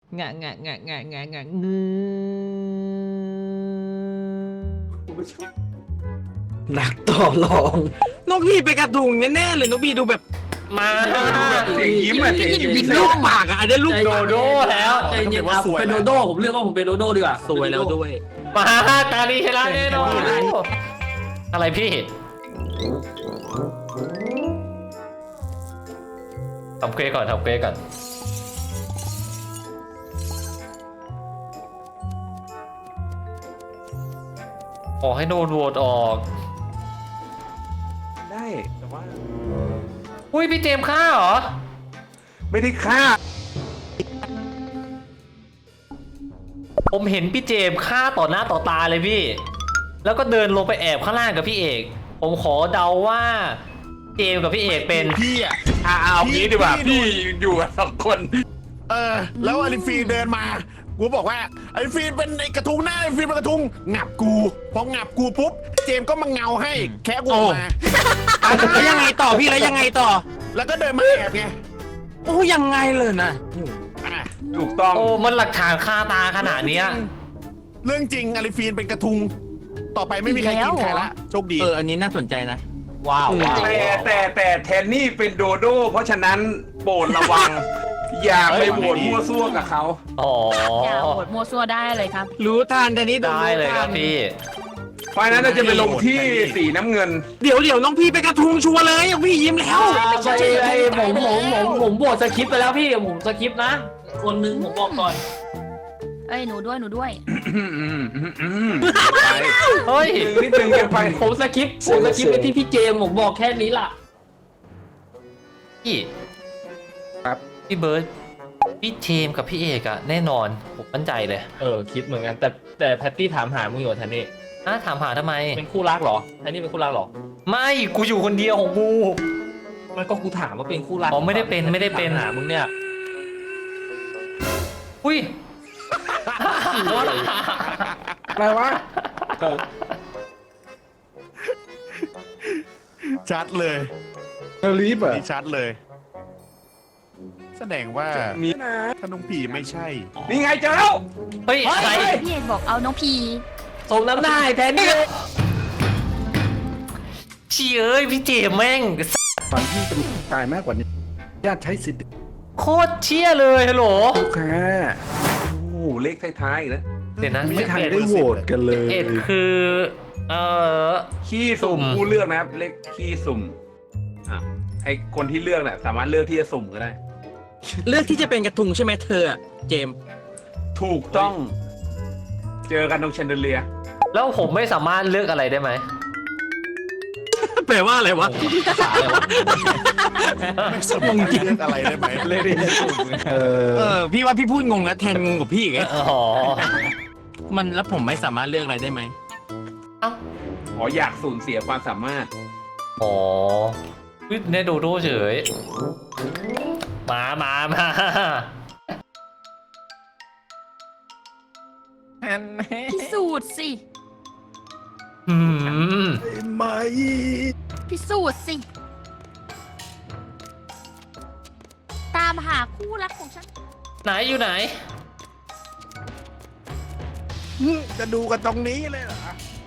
งะงะงะงะงะงะงืนักต่อรองนกพี่ไปกระทุงแน่ๆเลยนกพี่ดูแบบมาเสียงยิ้มอะเสียงยิ้มยิงลูกปากอ่ะอันนี้ลูกโดโดแล้วใจเย็นครับเป็นโดโด้ผมเลือกว่าผมเป็นโดโด้ดีกว่าสวยแล้วด้วยมาตาดีชนะแน่นอนอะไรพี่ทำเควสก่อนทำเควสก่อนขอให้โดนโหวตออกได้แต่ว่าอุ้ยพี่เจมส์ฆ่าเหรอไม่ได้ฆ่าผมเห็นพี่เจมส์ฆ่าต่อหน้าต่อตาเลยพี่ แล้วก็เดินลงไปแอบข้างล่างกับพี่เอก ผมขอเดาว่าเจมส์กับพี่เอกเป็นพี่อ่ะเอางี้ดีกว่าพี่อยู่กับสองคนแล้วอลิฟีเดินมากูบอกว่าอลิฟีเป็นไอ้กระทุงหน้าอลิฟีเป็นกระทุงงับกูพองับกูปุ๊บเจมส์ก็มาเงาให้แค่กูออกมาแล้วยังไงต่อพี่แล้วยังไงต่อแล้วก็เดินมาแอบไงโอ้ยังไงเลยนะถูกต้องโอ้มันหลักฐานคาตาขนาดเนี้ยเรื่องจริงอลิฟีนเป็นกระทุงต่อไปไม่มีใครกินใครละโชคดีอันนี้น่าสนใจนะว้าวแต่แทนนี่เป็นโดโด้เพราะฉะนั้นโปรดระวัง อย่าไปโหวตมั่วซั่วกับเขาอ๋ออย่าโหวตมั่วซั่วได้เลยครับรู้ทันแต่นี้ได้เลยครับพี่เพราะฉะนั้นเราจะไปลงที่สีน้ำเงินเดี๋ยวน้องพี่ไปกระทุงชัวร์เลยพี่ยิ้มแล้วผมโหวตสคริปต์ไปแล้วพี่ผมสคริปต์นะ คนหนึงผมบอกก่อนเอ้ยหนูด้วยไปเฮ้ยนิดนึงกันไปผมสคริปต์ไปที่พี่เจมส์ผมบอกแค่นี้ล่ะพี่ครับพี่เบิร์ดพี่เจมส์กับพี่เอกอะแน่นอน ผมมั่นใจเลยคิดเหมือนกันแต่แพตตี้ถามหามึงอยู่แทนนี่ถามหาทำไมเป็นคู่รักเหรอแทนนี่เป็นคู่รักเหรอไม่กูอยู่คนเดียวของกูมันก็กูถามว่าเป็นคู่รักอ๋อไม่ได้เป็นไม่ได้เป็นถามหามึงเนี่ยอุ้ยอะไรวะชัดเลยรีบอ่ะนี่ชัดเลย แสดงว่ามีนะถ้าน้องผีไม่ใช่นี่ไงเจอแล้วเฮ้ยอะไรพี่เอกบอกเอาน้องพีสมน้ำหน้าไอ้แทนนี่เชี่ยเอ้ยพี่เจมส์แม่งฝันที่จะตายมากกว่านี้ญาติใช้สิทธิ์โคตรเชี่ยเลยฮัลโหลลูกค้าโอ้โหเลขท้ายๆอีกแล้วเดี๋ยวนะไม่ทันได้โหวตกันเลยเอ็ดคืออขี้สุ่สุ่มมผู้เลือกนะครับเลขขี้สุ่มอ่ะไอคนที่เลือกเนี่ยสามารถเลือกที่จะสุ่มก็ได้เลือกที่จะเป็นกระทุงใช่ไหมเธอเจมถูกต้อง เจอกันตรงแชนเดเลียร์แล้วผมไม่สามารถเลือกอะไรได้ไหมแปลว่าอะไรวะไม่สมองเลือกอะไรได้ไหมพี่ว่าพี่พูดงงแล้วแทนงงกับพี่อีกไงอ๋อมันแล้วผมไม่สามารถเลือกอะไรได้ไหมอ๋ออยากสูญเสียความสามารถอ๋อเนโดโดเฉย มาพิสูจน์สิอืมไม่พิสูจน์สิ ตามหาคู่รักของฉันไหนอยู่ไหนจะดูกันตรงนี้เลยเหรอ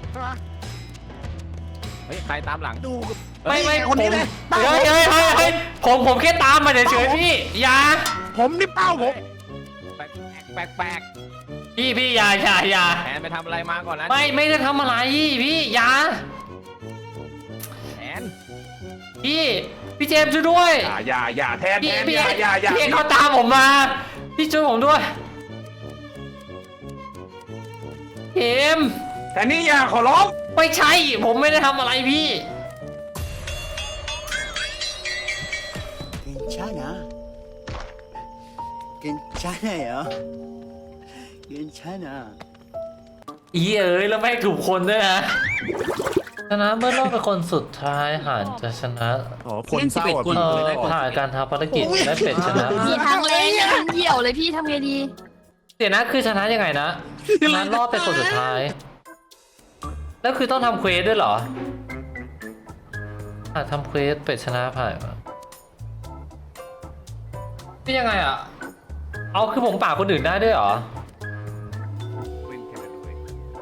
เฮ้ยใครตามหลังดูกับไม่คนนี้เลยเฮ้ยผมแค่ตามมาเฉยๆพี่อย่าผมนี่เป้าผมแปลกพี่อย่าแทนไปทำอะไรมาก่อนนะไม่ได้ทำอะไรพี่อย่าแทนพี่เจมส์ช่วยด้วยอย่าแทนพี่อย่าพี่เขาตามผมมา พี่ช่วยผมด้วยเจมส์แต่นี่อย่าขอร้องไม่ใช่ผมไม่ได้ทำอะไรพี่ 괜찮아. 괜찮아요. 괜찮아. อีเอ๋ยแล้วไม่ถูกคนด้วยนะชนะเมื่อรอบเป็นคนสุดท้ายหารจะชนะอ๋อคนเศร้าอ่ะคนพี่ผ่านการทำภารกิจและเป็ดชนะพี่ทางเลนยังเหี่ยวเลยพี่ทำไงดีเดี๋ยวนะคือชนะยังไงนะชนะรอบเป็นคนสุดท้าย แล้วคือต้องทำเควสด้วยเหรอทำเควสเป็ดชนะผ่านมานี่ยังไงอ่ะเอาคือผมปาดคนอื่นได้ด้วยเหรอเป็นแคนาดวย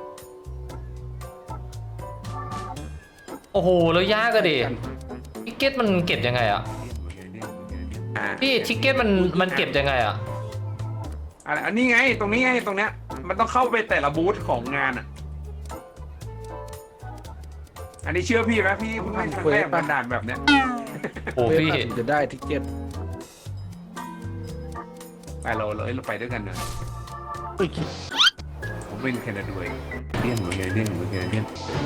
โอ้โหแล้วยากก็ดิทิกเก็ตมันเก็บยังไงอะอ่าพี่ทิกเก็ตมันเก็บยังไงอะอันนี้ไงตรงนี้ไงตรงเนี้ยมันต้องเข้าไปแต่ละบูธของงานอ่ะอันนี้เชื่อพี่ไหมพี่เพิ่งเล่นครั้งแรกมันด่านแบบเนี้ยโอ้พี่จะได้ทิกเก็ตไปเราไปด้วยกันเนอะผมเป็นแคนาดวยเลี่ยนเหมือนกันเลี่ยนเหมือนกันเลี่ยน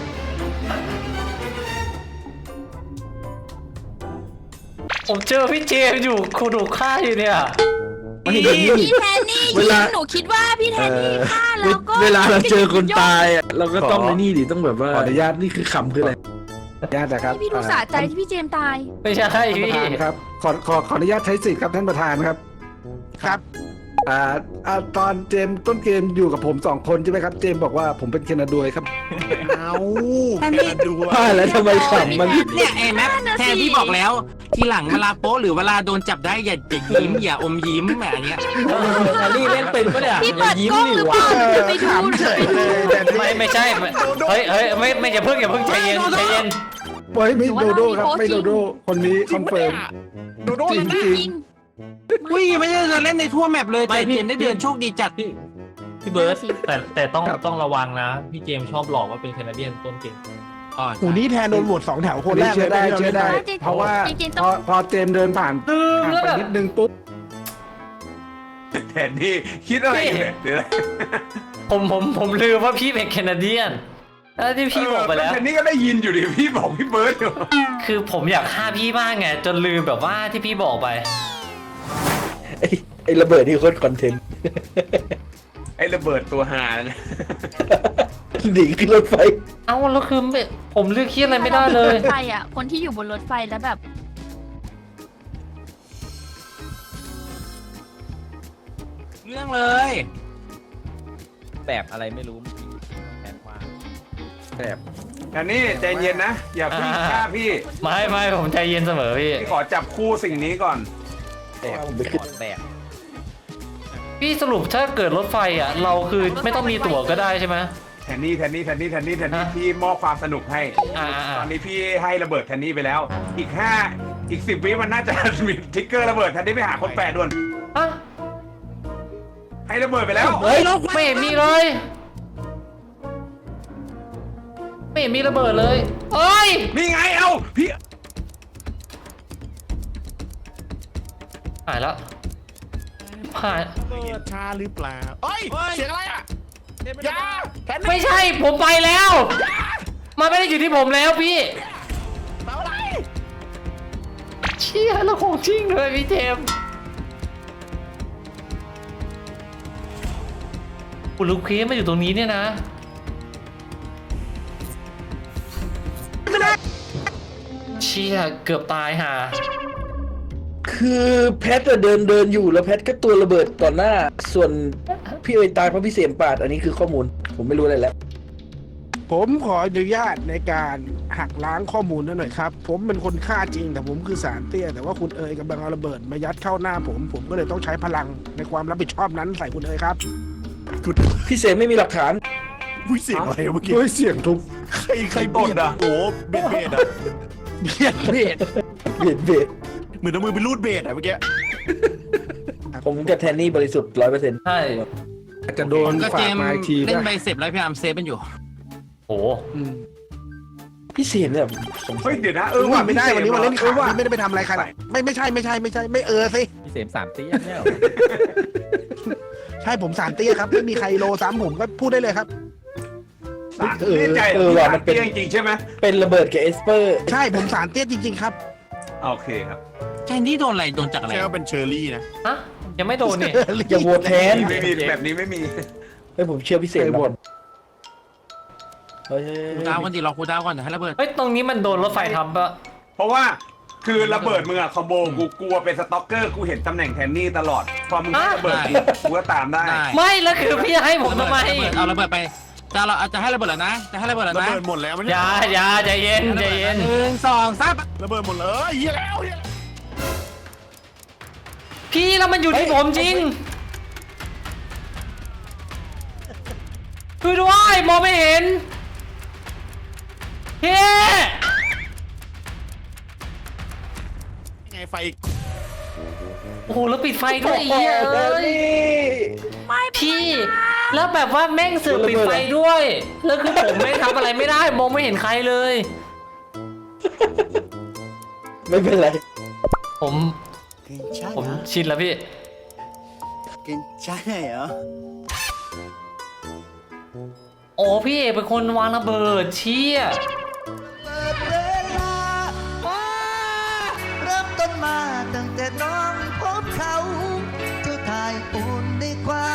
ผมเจอพี่เจมส์อยู่คูดูฆ่าอยู่เนี่ยพี่แทนนี่ยิงหนูคิดว่าพี่แทนนี่ฆ่าแล้วก็เวลาเราเจอคนตายอ่ะเราก็ต้องในนี่ดิต้องแบบว่าขออนุญาตนี่คือคำคืออะไรญาตินะครับพี่ดูสะใจที่พี่เจมส์ตายไม่ใช่ท่านปพี่ระธานครับขออนุญาตใช้สิทธิ์ครับท่านประธานครับครับตอนเจมส์ต้นเกมอยู่กับผม2 คนใช่ไหมครับเจมส์บอกว่าผมเป็นแคนาดวยครับเอาว่าแล้วทำไมขำมันเนี่ยไอ้แมปแทนพี่บอกแล้ว ทีหลังเวลาโป๊ะหรือเวลาโดนจับได้อย่ายิ้มอย่าอมยิ้มแบบเนี้ยแฮร์รี่เล่นเป็นปะเนี่ยพี่เปิดกล้องหรือเปล่าหนูจะไปดูหนูจะไปดูไม่ใช่เฮ้ยไม่อย่าเพิ่งใจเย็นใจเย็นไม่โดโด้ครับไม่โดโด้คนนี้คอนเฟิร์มโดโดจรินั่งนนะจริงอุ้ยไม่ได้จะเล่นในทั่วแมปเลยแต่เจมได้เดือนโชคดีจัดพี่เบิร์ตแต่ต้องระวังนะ พี่เจมส์ชอบหลอกว่าเป็นแคนาเดียนต้นเก่งหูนี้แทนโดนโหวต2 แถวคนแรกเลยเชื่อได้ เพราะว่าพอเจมส์เดินผ่านไปนิดนึงปุ๊บแทนที่คิดอะไรอยู่เนี่ยเดี๋ยวนะผมลืมว่าพี่เป็นแคนาเดียนแล้วที่พี่บอกไปแล้วแทนนี่ก็ได้ยินอยู่ดิพี่บอกพี่เบิร์ดอยู่คือผมอยากฆ่าพี่มากไงจนลืมแบบว่าที่พี่บอกไปไอ้ระเบิดนี่โคตรคอนเทนต์ไอ้ระเบิดตัวหานะหนีขึ้นรถไฟเอ้าแล้วคือผมเลือกคิดอะไรไม่ได้เลยรถไฟอ่ะคนที่อยู่บนรถไฟแล้วแบบเรื่องเลยแบบอะไรไม่รู้แปลกมากแบบแทนนี่ใจเย็นนะอย่าเพิ่งฆ่าพี่ไม่ผมใจเย็นเสมอพี่พี่ขอจับคู่สิ่งนี้ก่อนแบบผมไปขึ้นแบบพี่สรุปถ้าเกิดรถไฟอ่ะ เราคือไม่ต้องมีตั๋วก็ได้ใช่ไหมแทนนี่พี่มอบความสนุกให้อ่าตอนนี้พี่ให้ระเบิดแทนนี่ไปแล้ว อีก10 วิมันน่าจะ มีทริกเกอร์ระเบิดแทนนี่ไปหาคนแปดด่วนอ่ะให้ระเบิดไปแล้วเฮ้ยไม่เห็นมีเลย ไม่เห็นมีระเบิดเลยเอ้ยนี่ไงเอาพี่หายแล้วหายเปิดชาหรือเปล่าเอ้ยเสียงอะไรอ่ะยาแทนนี่ไม่ใช่ผมไปแล้วมันไม่ได้อยู่ที่ผมแล้วพี่เปล่าอะไรเชี่ยแล้วของจริงเลยพี่เจมส์คุณลูกเคสมาอยู่ตรงนี้เนี่ยนะเชี่ยเกือบตายห่าคือแพทย์เดินอยู่แล้วแพทย์ก็ตัวระเบิดต่อหน้า ส่วนพี่เอ๋ยตายเพราะพี่เสียมปาดอันนี้คือข้อมูล ผมไม่รู้อะไรแล้วผมขออนุญาตในการหักล้างข้อมูลนั่นหน่อยครับ ผมเป็นคนฆ่าจริงแต่ผมคือสารเตี้ยแต่ว่าคุณเอ๋ยกำลังเอาระเบิดมายัดเข้าหน้าผมก็เลยต้องใช้พลังในความรับผิดชอบนั้นใส่คุณเอ๋ยครับพี่เสมไม่มีหลักฐานอุ้ยเสียงอะไรเมื่อกี้ด้วยเสียงทุบใครเบียดอ่ะโอ้เบ็ดอ่ะเบียดเบียดเบียดเบียดเหมือนเอามือไปรูดเบ็ดอ่ะเมื่อกี้ผมกับแทนนี่บริสุทธิ์100% ใช่อาจจะโดนก็ฝาเจกมมาอีกทีเล่นป่ะใบเสร็จแล้วพยายามเซฟมันอยู่โอ้พี่เสียมเนี่ยผมเฮ้ยเดี๋ยวนะว่าไม่ได้วันนี้วันเล่นข่าวว่าไม่ได้ไปทำอะไรใครหรอกไม่ใช่ไม่สิพี่เสมสามตีเนี่ยใช่ผมสารเตี้ยครับไม่มีใครโลซ้ำผมก็พูดได้เลยครับแน่ใจว่ามันเป็นจริงๆใช่ไหมเป็นระเบิดกับเอสเปอร์ใช่ผมสารเตี้ยจริงๆครับโอเคครับแทนที่โดนอะไรโดนจากอะไรใช่ว่าเป็นเชอร์รี่นะฮะยังไม่โดนนี่อย่าโหวตแทนไม่มีแบบนี้ไม่มีเฮ้ยผมเชื่อพี่เสมก่อนเฮ้ยคูดาวก่อนดิรอคูดาวก่อนเดี๋ยวให้ระเบิดเฮ้ยตรงนี้มันโดนรถไฟทับปะเพราะว่าคือระเบิดมึงอะคอมโบกูกลัวเป็นสต็อกเกอร์กูเห็นตำแหน่งแทนนี่ตลอดพอมึงให้ระเบิดกูก็ตามได้ได้ไม่แล้วคือพี่ให้ผมทำไมเอาระเบิดไปจะให้ระเบิดแล้วนะจะให้ระเบิดแล้วระนะเบิดหมดแล้วมันอย่าใจเย็นใจเย็น 1 2 3 ระเบิดหมดเลยเฮียแล้วพี่แล้วมันอยู่ที่ผมจริงมองไม่เห็นพี่ไงไฟโอ้โหแล้วปิดไฟด้วยไอ้เหี้ยเอ้ยพี่ แล้วแบบว่าแม่งเสือกปิดไฟด้วยแล้วคือผมไม่ทำอะไรไม่ได้มองไม่เห็นใครเลยไม่เป็นไรผมชินแล้วพี่กินใช่เหรอโอ้พี่เอกเป็นคนวางระเบิดเชี่ยเริ่มต้นมาตั้งแต่น้องพบเขาทุกทายอุ่นในความ